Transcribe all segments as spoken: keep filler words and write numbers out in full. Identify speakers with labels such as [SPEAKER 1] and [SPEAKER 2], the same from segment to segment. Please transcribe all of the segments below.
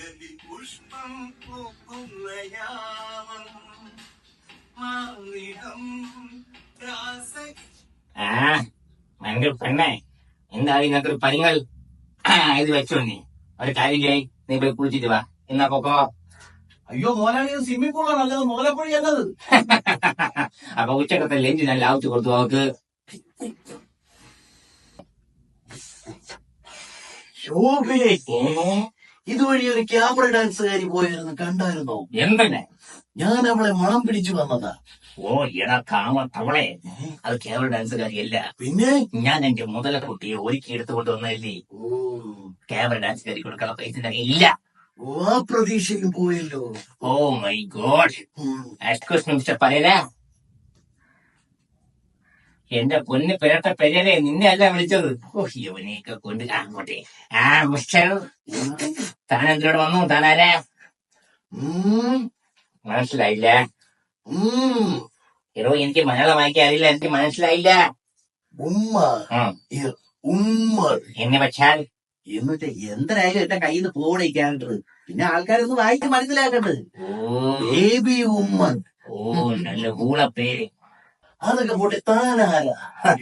[SPEAKER 1] പുഷ്പം പൂക്കുന്ന യാമം മാറിടം രാസ
[SPEAKER 2] ആ ഭയങ്കര പെണ്ണെ എന്താ ഇങ്ങനത്തെ ഒരു പരിങ്ങൾ ഇത് വെച്ചോ. നീ ഒരു കാര്യം ചെയ്യ്, നീ പോയി കുളിച്ചിട്ട് വാ. എന്നാ പൊക്കോ.
[SPEAKER 1] അയ്യോ മോനാണ് സ്വിമ്മിംഗ് പൂളാണ് നല്ലത്, മുതലപ്പുഴ എന്നത്.
[SPEAKER 2] അപ്പൊ ഉച്ചക്കത്തെ ലഞ്ച് ഞാൻ ലാവിച്ച് കൊടുത്തു അവക്ക്.
[SPEAKER 1] ശോഭേ, ഇതുവഴി ഒരു ക്യാമറ ഡാൻസുകാരി പോയിരുന്നു, കണ്ടായിരുന്നോ?
[SPEAKER 2] എന്തെന്നെ?
[SPEAKER 1] ഞാൻ അവളെ മണം പിടിച്ചു വന്നതാ.
[SPEAKER 2] ഓ എടാ കാമ തവളെ, അത് ക്യാമറ ഡാൻസുകാരിയല്ല.
[SPEAKER 1] പിന്നെ
[SPEAKER 2] ഞാൻ എന്റെ മുതലക്കുട്ടിയെ ഒരുക്കി എടുത്തുകൊണ്ട് വന്നല്ലേ.
[SPEAKER 1] ഓ
[SPEAKER 2] ക്യാമറ ഡാൻസുകാരി കൊടുക്കാൻ പൈസ ഇല്ല.
[SPEAKER 1] ഓ ആ പ്രതീക്ഷയിൽ പോയല്ലോ.
[SPEAKER 2] Oh my God. Excuse me mister Pereira. എന്റെ പൊന്ന് പെരട്ട പെരേരെ, നിന്നെ അല്ല വിളിച്ചത്. ഓ യവനെയൊക്കെ കൊണ്ട് അങ്ങോട്ടെ. ആ മിസ്റ്റർ, താൻ എന്തിനോട് വന്നു? താനാരാ? മനസ്സിലായില്ല. എടോ എനിക്ക് മലയാളം വായിക്കാൻ അറിയില്ല, എനിക്ക് മനസ്സിലായില്ല.
[SPEAKER 1] ഉമ്മ ഉമ്മ
[SPEAKER 2] എന്നെ വെച്ചാൽ
[SPEAKER 1] എന്നിട്ട് എന്തായാലും എന്റെ കയ്യിൽ നിന്ന് പോണേക്കാണ്ടത്, പിന്നെ ആൾക്കാരൊന്ന് വായിച്ച് മനസ്സിലാക്കണ്ടത്. ബേബി ഉമ്മൻ.
[SPEAKER 2] ഓ നല്ല കൂള പേര്.
[SPEAKER 1] അതൊക്കെ പോട്ടെ, താനാരാ?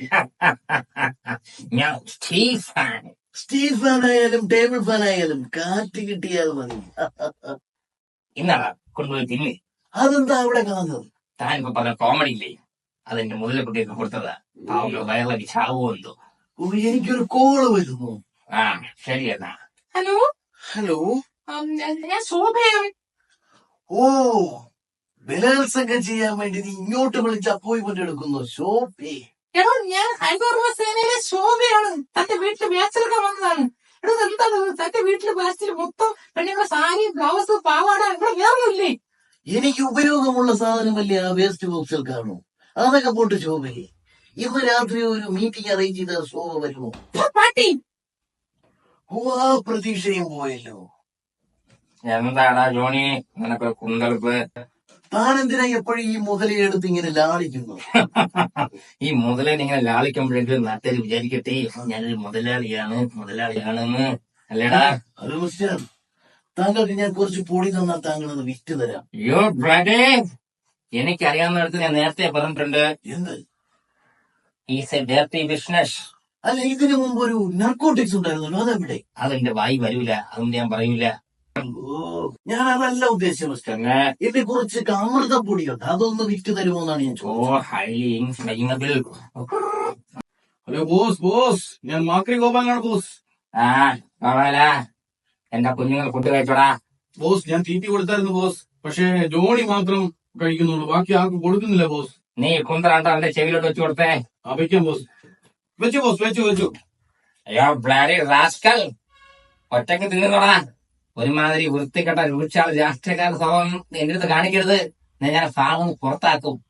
[SPEAKER 2] ഞാൻ സ്റ്റീവ് ഫാൻ.
[SPEAKER 1] സ്റ്റീൽ ഫാൻ ആയാലും ടേബിൾ ഫാൻ ആയാലും കാറ്റ് കിട്ടിയാൽ മതി.
[SPEAKER 2] ഇന്നാളാ കൊണ്ടുപോയി തിന്ന്.
[SPEAKER 1] അതെന്താ അവിടെ കാണുന്നത്?
[SPEAKER 2] താൻ ഇപ്പൊ പറഞ്ഞ കോമഡി ഇല്ലേ, അതെന്റെ മുതല കുട്ടിയൊക്കെ കൊടുത്തതാ. പാവങ്ങൾ വയറിളക്കി ചാവോ എന്തോ.
[SPEAKER 1] ഓ എനിക്കൊരു കോള് വരുന്നു.
[SPEAKER 2] ആ ശരി എന്നാ.
[SPEAKER 3] ഹലോ
[SPEAKER 1] ഹലോ,
[SPEAKER 3] ഞാൻ ശോഭയാണ്.
[SPEAKER 1] ഓ ബലാത്സംഗം ചെയ്യാൻ വേണ്ടി നീ ഇങ്ങോട്ട് വിളിച്ച് അപ്പോയിന്റ്മെന്റ് എടുക്കുന്നു ശോഭേ?
[SPEAKER 3] എടോ ഞാൻ ഹൈദർബ സേനയിലെ ശോഭയാണ്. തന്റെ വീട്ടില് വേസ്റ്റെടുക്കാൻ വന്നതാണ്. എടോ എന്താണ് തന്റെ വീട്ടില് വേസ്റ്റിൽ മൊത്തം പെണ്ണുങ്ങളെ സാരി, ബ്ലൗസ്, പാവാട, ഇവിടെ വേറൊന്നുമില്ലേ?
[SPEAKER 1] എനിക്ക് ഉപയോഗമുള്ള സാധനമല്ലേ ആ വേസ്റ്റ് ബോക്സിൽ കാണൂ. അതൊക്കെ പോട്ട് ശോഭേ, ഇന്ന് രാത്രി ഒരു മീറ്റിംഗ് അറേഞ്ച് ചെയ്ത ശോഭ വരുമോ?
[SPEAKER 3] പാട്ടി
[SPEAKER 1] ഓ ആ പ്രതീക്ഷയും പോയല്ലോ.
[SPEAKER 2] എന്താടാ ജോണി നിനക്ക് കുന്തളിപ്പ്?
[SPEAKER 1] താനെന്തിനാ എപ്പോഴും ഈ മുതലയെ എടുത്ത് ഇങ്ങനെ ലാളിക്കുന്നു?
[SPEAKER 2] ഈ മുതലിനെ ഇങ്ങനെ ലാളിക്കുമ്പോഴെങ്കിലും നാട്ടുകാർ വിചാരിക്കട്ടെ ഞാനൊരു മുതലാളിയാണ് മുതലാളിയാണെന്ന്. അല്ലേടാ?
[SPEAKER 1] ഹലോ മിസ്റ്റർ, താങ്കൾക്ക് ഞാൻ കുറച്ച് പൊടി തന്നാൽ താങ്കൾ അത് വിറ്റ് തരാം.
[SPEAKER 2] യോ ബ്രദേ, എനിക്കറിയാവുന്നിടത്ത് ഞാൻ നേരത്തെ പറഞ്ഞിട്ടുണ്ട്.
[SPEAKER 1] എന്ത്?
[SPEAKER 2] Is a dirty business.
[SPEAKER 1] അല്ല, ഇതിനു മുമ്പ് ഒരു നർക്കോട്ടിക്സ് ഉണ്ടായിരുന്നല്ലോ, അതെവിടെ?
[SPEAKER 2] അതെന്റെ വായി വരൂല, അതുകൊണ്ട് ഞാൻ പറയൂല.
[SPEAKER 1] ഓ ഞാൻ അതല്ല ഉദ്ദേശിച്ചത് മിസ്റ്റർ. ഇതിനെ കുറിച്ച് അമൃതപ്പൊടിയുണ്ട്, അതൊന്ന് വിറ്റ് തരുമോ എന്നാണ് ഞാൻ
[SPEAKER 2] ഓ
[SPEAKER 1] ചോദിച്ചത്.
[SPEAKER 2] Highly inflammable.
[SPEAKER 4] Hello boss, boss ഞാൻ മാക്രി ഗോപാലാണ് ബോസ്.
[SPEAKER 2] ആ നോളാല, എന്റെ കുഞ്ഞുങ്ങൾ ഫുഡ് കഴിച്ചോടാ.
[SPEAKER 4] ബോസ് ഞാൻ തീറ്റി കൊടുത്തായിരുന്നു ബോസ്, പക്ഷേ ജോണി മാത്രം കഴിക്കുന്നുള്ളൂ, ബാക്കി ആർക്കും കൊടുക്കുന്നില്ല ബോസ്.
[SPEAKER 2] നീ കുന്തറാണ്ടോ അവന്റെ ചെവിയിലോട്ട് വെച്ചു കൊടുത്തേ.
[SPEAKER 4] ആ വെക്കാം ബോസ്. വെച്ചു ബോസ്, വെച്ചു വെച്ചു.
[SPEAKER 2] അയ്യോ ബ്ലാഡി റാസ്കൽ, ഒറ്റക്ക് തിന്നോടാ. ഒരുമാതിരി വൃത്തികെട്ട രൂക്ഷാൾ രാഷ്ട്രീയക്കാരുടെ സ്വഭാവം എന്റെ അടുത്ത് കാണിക്കരുത്. ഞാൻ ഫാമിൽ പുറത്താക്കും.